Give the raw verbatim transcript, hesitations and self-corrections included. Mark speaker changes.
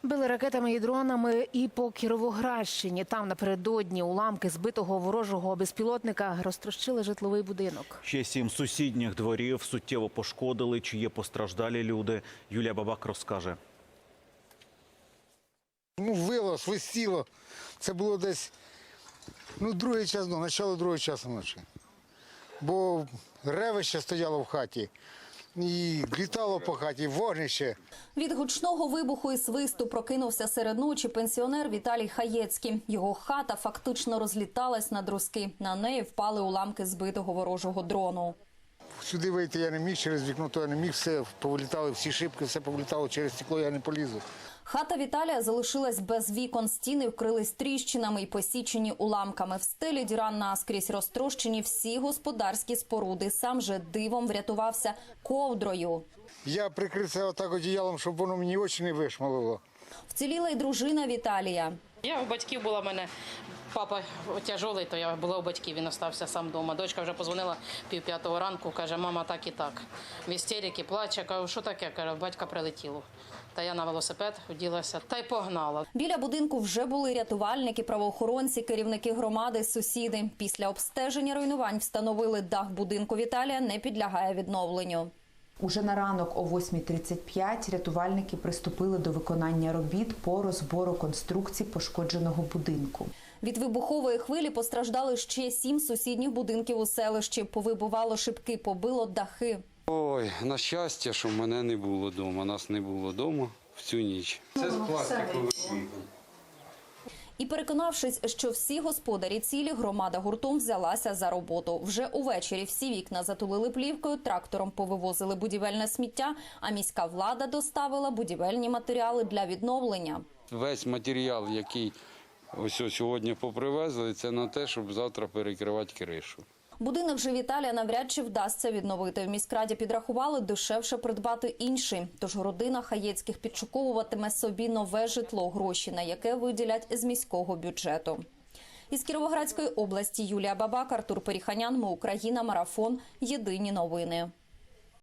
Speaker 1: Били ракетами і дронами і по Кіровоградщині. Там напередодні уламки збитого ворожого безпілотника розтрощили житловий будинок.
Speaker 2: Ще сім сусідніх дворів суттєво пошкодили. Чи є постраждалі люди? Юлія Бабак розкаже.
Speaker 3: Ну, вило, свистіло. Це було десь, ну, другий час, ну, начало другого часу ночі. Бо ревище стояло в хаті. І літало по хаті, вогнище.
Speaker 4: Від гучного вибуху і свисту прокинувся серед ночі пенсіонер Віталій Хаєцький. Його хата фактично розліталась на друзки. На неї впали уламки збитого ворожого дрону.
Speaker 3: Сюди вийти я не міг, через вікно то я не міг, все повилітало, всі шибки, все повилітало, через стекло я не полізу.
Speaker 4: Хата Віталія залишилась без вікон, стіни вкрились тріщинами і посічені уламками. В стелі діра наскрізь, розтрощені всі господарські споруди. Сам же дивом врятувався ковдрою.
Speaker 3: Я прикрився отак одіялом, щоб воно мені очі не вишмалило.
Speaker 4: Вціліла й дружина Віталія.
Speaker 5: Я у батьків була, в мене папа тяжелий, то я була у батьків, він остався сам вдома. Дочка вже позвонила пів п'ятого ранку, каже, мама так і так. В істериці плаче, кажу, що таке? Каже, батька прилетіло. Та я на велосипед вділася та й погнала.
Speaker 4: Біля будинку вже були рятувальники, правоохоронці, керівники громади, сусіди. Після обстеження руйнувань встановили, дах будинку Віталія не підлягає відновленню.
Speaker 6: Уже на ранок о восьмій тридцять п'ять рятувальники приступили до виконання робіт по розбору конструкцій пошкодженого будинку.
Speaker 4: Від вибухової хвилі постраждали ще сім сусідніх будинків у селищі. Повибивало шибки, побило дахи.
Speaker 7: Ой, на щастя, що мене не було вдома. Нас не було вдома в цю ніч. Це з пластикових вікон.
Speaker 4: І переконавшись, що всі господарі цілі, громада гуртом взялася за роботу. Вже увечері всі вікна затулили плівкою, трактором повивозили будівельне сміття, а міська влада доставила будівельні матеріали для відновлення.
Speaker 7: Весь матеріал, який ось сьогодні попривезли, це на те, щоб завтра перекривати кришу.
Speaker 4: Будинок же Віталія навряд чи вдасться відновити. В міськраді підрахували, дешевше придбати інший. Тож родина Хаєцьких підшуковуватиме собі нове житло, гроші на яке виділять з міського бюджету. Із Кіровоградської області Юлія Бабак, Артур Періханян, Ми Україна, Марафон. Єдині новини.